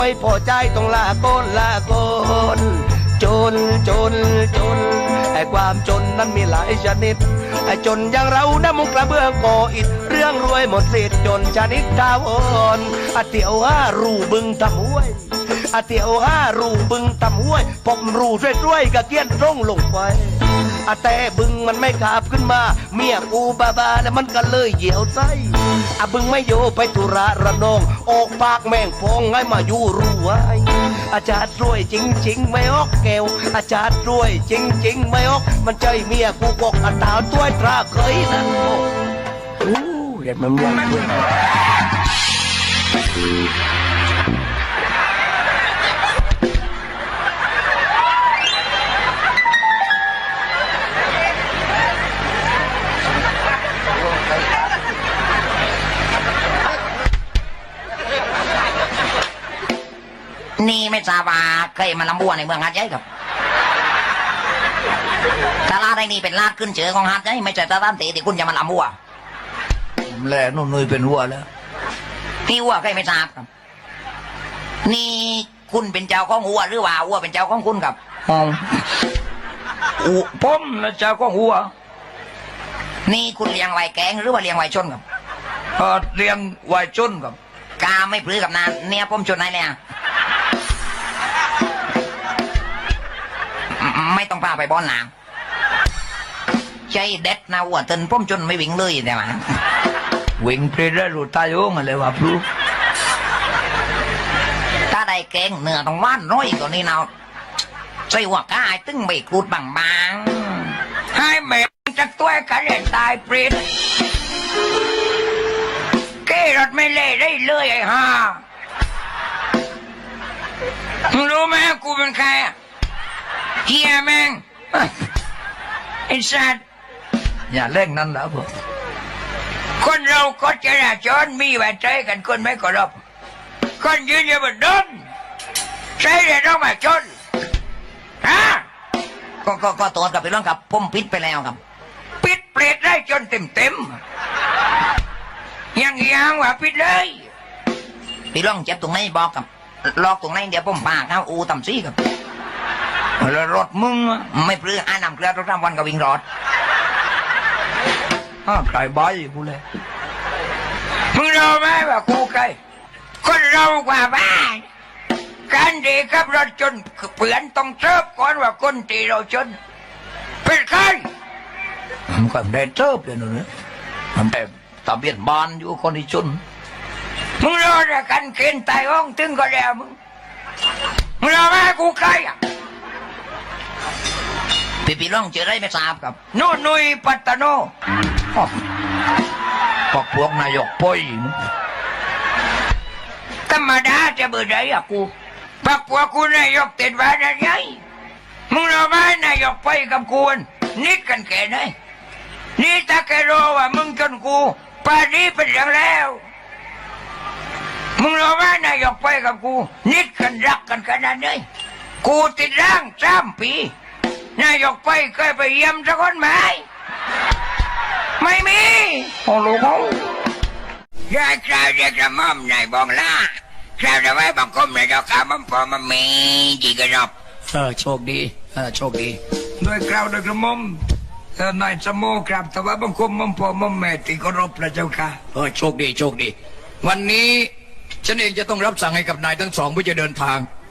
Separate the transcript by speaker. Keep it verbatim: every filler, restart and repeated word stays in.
Speaker 1: ไม่พอใจต้องลาโกนลาโกนจนจนจนไอ้ความจนนั้นมีหลายชนิดไอ้จนอย่างเรานะมุงกระเบื้องก่ออิฐเรื่องรวยหมดสิทธิ์จนชนิดดาวอ่อนอาเตียวห้ารูบึงทำห้วยอาเตียวห้ารูบึงทำห้วยผมรูช่วยๆกะเกี้ยนตรงลงไปอาแต่บึงมันไม่ขาบขึ้นมาเมียกูบาบาแล้วมันก็เลยเหี่ยวไส้อาบึงไม่โยไปตุระระนองออกปากแม่งฟองให้มาอยู่รู้ไว้อาจารย์รวยจริงๆไม่ออกแก้วอาจารย์รวยจริงๆไม่ออกมันใจเมียกูกอกอัตราตัวตราเคยนั่นโอ้เด็ดมันยังด้วย
Speaker 2: นี่ไม่ทราบว่าเคยมาลำบัวในเมืองหาดใหญ่ครับตลาดไอ้นี่เป็นลาดขึ้นเชือของหาดใหญ่ไม่ใช่ตลาดเตะที่คุณจะมาลำบัว
Speaker 1: แหล่นุ่นนุยเป็นวัวแล้ว
Speaker 2: พี่วัวเคยไม่ทราบครับนี่คุณเป็นเจ้าของวัวหรือว่าวัวเป็นเจ้าของคุณครับ
Speaker 1: อ๋ออูผมนะเจ้าของวัว
Speaker 2: นี่คุณเลี้ยงไว้แกงหรือว่าเลี้ยงไว้ชนครับ
Speaker 1: เออเลี้ยงไว้ชนครับ
Speaker 2: กาไม่พลื้กับนานเนี่ยผมชนไหนเนี่ยไม่ต้องพาไปบอลหนาวใจเด็ดนะวัวตึนผมจนไม่วิ่งเลยแต่ว่า
Speaker 1: วิ่งเพลได้รูตายโอ้มาเลยว่าพลู
Speaker 2: ถ้าได้แกงเนื้อต้องว่านน้อยกว่านี้เนาะใส่หัวกายตึ้งใบกรูดบางๆให้แม่จะตัวกันเล่นตายเปรตเกรถไม่เล่ได้เลยไอ้ห่ารู้ไหมกูเป็นใครเฮียแม่งไอ้สัตว์
Speaker 1: อย่าเล่นนั่นแล้วพวก
Speaker 2: คนเราก็จะราจรมีไว้ใจกันคนไม่กรบคนยืนอยู่บนดินใช่เลยต้องมาชนฮะก็ก็ก็ตัวกับไปร้องกับผมปิดไปแล้วครับปิดเปรตได้จนเต็มเต็มยังยังว่าปิดเลยพี่ร้องเจ็บตรงไหนบอกกับลอกตรงไหนเดี๋ยวผมพาเข้าอูต่ำซี่กับแล้วรถมึงไม่ปลื้มอ่านนำเกลือทุกวันก็วิ่งรถ
Speaker 1: อ้าวใครบ้ากูเลย
Speaker 2: มึงรู้ไหมว่ากูใครคนเรากว่าบ้านการดีขับรถจนเปลี่ยนต้องเชิบก่อนว่าคนตีเราจนเป็นใคร
Speaker 1: มันก็ได้เชิบเลยนะมันแต่ตะเบียนบานอยู่คนที่จน
Speaker 2: มึงรู้ว่ากันเกณฑ์ตายห้องถึงก็แล้วมึงมึงรู้ไหมกูใครอ่ะพี่พี่ร้องเจอได้ไม่ทราบครับโน่นุยปัตตโน
Speaker 1: พวกพวกนายกป่อย
Speaker 2: ธรรมดาจะเบื่อใจอ่ะกูปักพวกกูนายกติดว่าได้ไงมึงรู้ไหมนายกไปกับกูนิดกันแค่ไหนนี่ถ้าแกรู้ว่ามึงจนกูป่านนี้เป็นอย่างแล้วมึงรู้ไหมนายกไปกับกูนิดกันรักกันขนาดไหนกูติดร่างสามปีนายกไปเคยไปเยี่ยมสักคนไหมไม่มี
Speaker 1: โอ้โห
Speaker 2: ยายคราวเด็กระม่อมนายบองล่าคราวจะไว้บังคมนายดอกขามันพอมันมีจีกระรอบ
Speaker 1: เออโชคดีเออโชคดีด้วยคราวด้วยกระม่อมเออนายสมโมครับแต่ว่าบังคมมันพอมันแม่ตีกรบพระเจ้าค่ะเออโชคดีโชคดีวันนี้ฉันเองจะต้องรับสั่งให้กับนายทั้งสองเพื่อจะเดินทาง